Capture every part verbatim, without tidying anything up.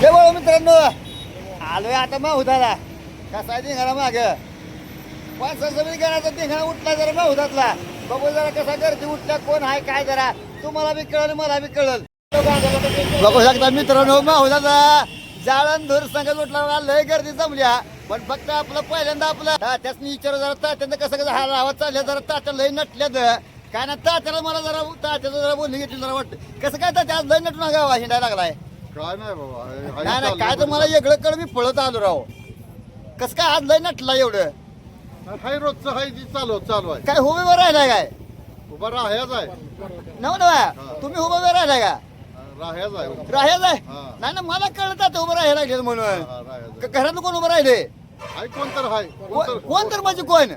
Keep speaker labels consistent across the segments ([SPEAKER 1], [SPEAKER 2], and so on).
[SPEAKER 1] जय बोला मित्रांनो, आलोय आता माहुदाला. कसा धिंगाणा माग पाच समिती करायचा धिंगाणा उठला जरा माहुदातला. बघू जरा कसा गर्दी उठल्या, कोण आहे काय, जरा तुम्हाला बी कळल मला बी कळल. बघू शकता मित्रांनो, माहुदाचा जाळणधूर संघ उठला, लय गर्दी जमल्या. पण फक्त आपलं पहिल्यांदा आपलं तात्याच विचार जरा तात्यांना कसं कसं हा आवाज चालल्या, जरा तात्या लय नटल्यात काय ना. तात्याला मला जरा तात्याचं जरा बोलणी घेतली जरा वाटतं कसं काय तात्या आज लय नटून गावा हिंडायला लागलाय.
[SPEAKER 2] काय नाही बाबा,
[SPEAKER 1] नाही नाही काय तर मला वेगळं कळ, मी पळत आलो राव. कसं काय आज लय नटला एवढं.
[SPEAKER 2] हाय रोजचं हाय जी चालू चालू आहे.
[SPEAKER 1] काय उभे राहिलाय काय
[SPEAKER 2] उभा राहायच आहे.
[SPEAKER 1] नव नवा तुम्ही उभे राहिलाय का.
[SPEAKER 2] राहायच आहे.
[SPEAKER 1] राहायच आहे.
[SPEAKER 2] हा.
[SPEAKER 1] नाही ना मला कळत आता उभं राहायला लागले म्हणून.
[SPEAKER 2] हा, राहायचं आहे.
[SPEAKER 1] क- घरात कोण उभं राहिले.
[SPEAKER 2] हाय कोण तर हाय
[SPEAKER 1] को- कोण तर म्हणजे कोण.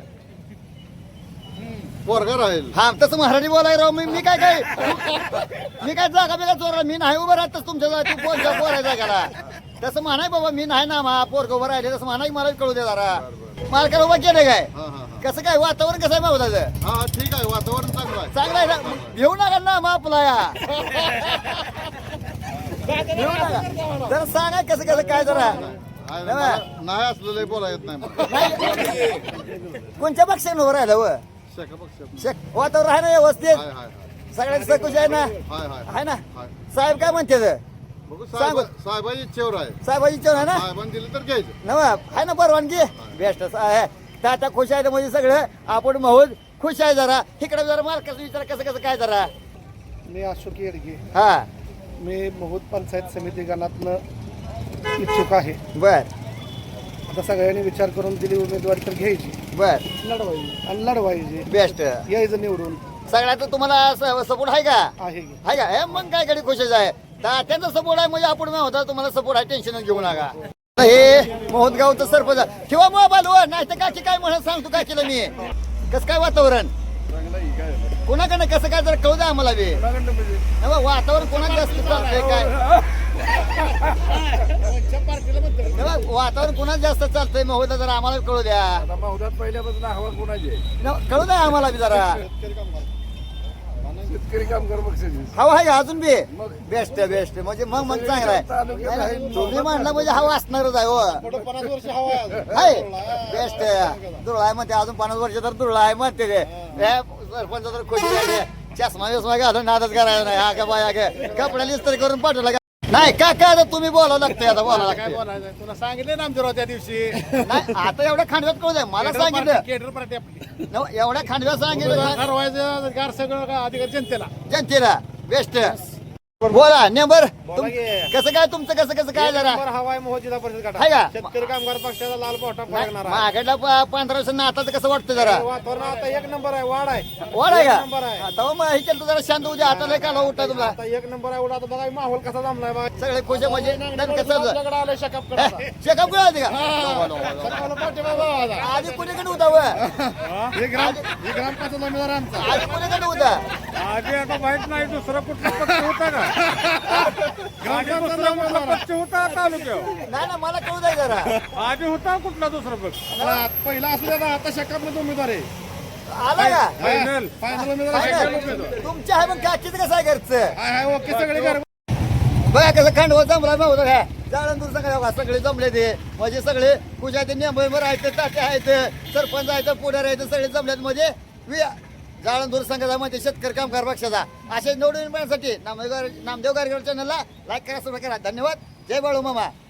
[SPEAKER 2] पोरगा राहील.
[SPEAKER 1] हा तसं मराठी बोलाय राव. मी मी काय काय मी काय जागा बिगा चोरला. मी नाही उभं राहतच तुमच्या जागी पोरच्या बोलायचा गेला तसं म्हणाय बाबा. मी नाही ना मा पोरग उभं राहिले तसं म्हणाय, मला कळू दे जरा. मला काय उभं केलं काय.
[SPEAKER 2] हा हा
[SPEAKER 1] कसं काय वातावरण कसं आहे मावदाचं.
[SPEAKER 2] हा हा ठीक आहे, वातावरण चांगलं आहे.
[SPEAKER 1] चांगला आहे ना. घेऊ नका ना मग आपला या घेऊ नका. जरा सांगा कसं कसं काय जरा.
[SPEAKER 2] हाय, मला नाही असलेलं बोला येत नाही मला.
[SPEAKER 1] नाही कोणत्या पक्षाने उभं राहिलं व
[SPEAKER 2] शेका पक्ष.
[SPEAKER 1] शेक वातावरण आहे ना व्यवस्थित.
[SPEAKER 2] हाय हाय
[SPEAKER 1] सगळ्यांची सकुश आहे ना.
[SPEAKER 2] हाय हाय
[SPEAKER 1] आहे ना.
[SPEAKER 2] हाय.
[SPEAKER 1] साहेब काय म्हणते ते?
[SPEAKER 2] बघू
[SPEAKER 1] सांगू.
[SPEAKER 2] साहेब साहेबाची इच्छेवर आहे.
[SPEAKER 1] साहेबाची इच्छा आहे ना.
[SPEAKER 2] साहेबांनी दिलं तर घ्यायचं.
[SPEAKER 1] नवा आहे ना परवानगी. बेस्ट आहे. तात्या खुश आहे म्हणजे सगळं आपण महूद खुश आहे. जरा इकडे जरा मालकाचं विचार कसं कसं काय जरा.
[SPEAKER 3] मी अशोक येडगे.
[SPEAKER 1] हा
[SPEAKER 3] मी महूद पंचायत समिती गणातनं इच्छुक आहे.
[SPEAKER 1] बर
[SPEAKER 3] आता सगळ्यांनी विचार करून दिली उमेदवारी तर घ्यायची,
[SPEAKER 1] बर
[SPEAKER 3] लढवायची आणि लढवायची.
[SPEAKER 1] बेस्ट.
[SPEAKER 3] यायचं निवडून
[SPEAKER 1] सगळ्यात तुम्हाला सपोर्ट आहे का.
[SPEAKER 3] आहे की.
[SPEAKER 1] आहे का. हे मग काय कडे खुशच आहे. तात्यांचा सपोर्ट आहे म्हणजे आपण होता तुम्हाला सपोर्ट आहे. टेन्शन घेऊ नका. हे मोहदगावचं सरपंच किंवा मोबाईल वर नाही तर काकी काय म्हणत सांगतो काय केलं मी. कसं काय वातावरण कोणाकडनं कसं काय जरा कळू द्या आम्हाला बी. नाही बा, वातावरण कोणाकडे जास्त चालतंय काय. नाही बा, वातावरण कोणाच जास्त चालतंय महोदय जरा आम्हाला कळू द्या.
[SPEAKER 3] महुदात पहिल्यापासून हवा कोणाची आहे?
[SPEAKER 1] नाही, कळू द्या आम्हाला बी जरा.
[SPEAKER 3] शेतकरी कामगार पक्षाची.
[SPEAKER 1] हवा आहे का अजून बी. बेस्ट बेस्ट म्हणजे मग मग चांगला आहे. नाही, नाही, तुम्ही म्हणला म्हणजे हवा असणारच आहे. हो
[SPEAKER 3] पन्नास वर्ष हवा आहे.
[SPEAKER 1] आहे बेस्ट. दुर्ळा आहे म्हणते अजून पन्नास वर्ष तर दुर्ळा आहे म्हणते ते. हे सरपंच तर खुशी झाली. चष्मा बिस्मा घालून नादच करायला नाही. हा का बाया काय कपड्याला इस्त्री करून पाठवला का नाही. का काय आता तुम्ही बोलावं लागतंय. आता बोलावं
[SPEAKER 3] काय
[SPEAKER 1] लागतंय.
[SPEAKER 3] बोलायचं तुला सांगितलं ना आमच्या त्या दिवशी.
[SPEAKER 1] नाही आता एवढ्या खांडव्यात कळू द्या मला सांगितलं.
[SPEAKER 3] केडर पार्टी आपली
[SPEAKER 1] नव- एवढ्या खांडव्यात सांगितलं
[SPEAKER 3] ठरवायचं गार सगळं का अधिकार जनतेला.
[SPEAKER 1] जनतेला. बेस्ट बोला नेंबर
[SPEAKER 3] बोला की.
[SPEAKER 1] कसं काय तुमचं कसं कसं काय जरा
[SPEAKER 3] नंबर हवा आहे मोह जिल्हा परिषद
[SPEAKER 1] आहे का?
[SPEAKER 3] गटात. शेतकरी कामगार पक्षाचा लाल पावटा फळगणार आहे.
[SPEAKER 1] मागडला पंधरा वर्ष नाताचं कसं वाटतं जरा.
[SPEAKER 3] वातावरण आता एक नंबर आहे. वाढ आहे.
[SPEAKER 1] वाढ आहे
[SPEAKER 3] एक
[SPEAKER 1] का.
[SPEAKER 3] नंबर आहे.
[SPEAKER 1] तेव्हा मग हे केलं तर जरा शांत उद्या आता लय काला उठा तुला.
[SPEAKER 3] आता एक नंबर आहे. उडा आता बघा माहोल कसा जमलाय बघा.
[SPEAKER 1] सगळे खुश आहे म्हणजे नेमकं चाललं.
[SPEAKER 3] आपल्याकडे आलोय शेकाप करायला.
[SPEAKER 1] चेकअप कुठे होती का.
[SPEAKER 3] सकाळला पाठीमागं आवाज.
[SPEAKER 1] आधी कुणीकडे होता व
[SPEAKER 3] हे ग्राम हे ग्रामपंचायत उमेदवार आमचा.
[SPEAKER 1] आधी कुणीकडे होता.
[SPEAKER 3] आधी आता माहित नाही दुसरा कुठला पक्ष होता का. ग्रामपंचायत पक्ष होता तालुक्यावर.
[SPEAKER 1] नाही ना मला कळू द्या जरा.
[SPEAKER 3] आधी होता कुठला दुसरा पक्ष. पहिला असू द्या आता शेकाप उमेदवार आहे.
[SPEAKER 1] आला का
[SPEAKER 3] फायनल फायनल उमेदवार शेकाप
[SPEAKER 1] फायनल.
[SPEAKER 3] उमेदवार.
[SPEAKER 1] तुमच्या आहे मग काकीचं कसं आहे घरचं.
[SPEAKER 3] हाय हाय ओके सगळे घर.
[SPEAKER 1] बघा कसं खांडवा जमला नव्हतं काय. जाळण दूर सगळे सगळे जमले ते म्हणजे सगळे पूजा ते नेंबर आहेत, तात्या आहेत, सरपंच आहेत, पुढारी आहेत, सगळे जमलेत म्हणजे जाळण दूर संघाचा म्हणजे शेतकरी कामगार पक्षाचा. असे निवडून येण्यासाठी नामदेव नामदेव गारगड चॅनलला लाईक करा, सबस्क्राईब करा. धन्यवाद. जय बाळू मामा.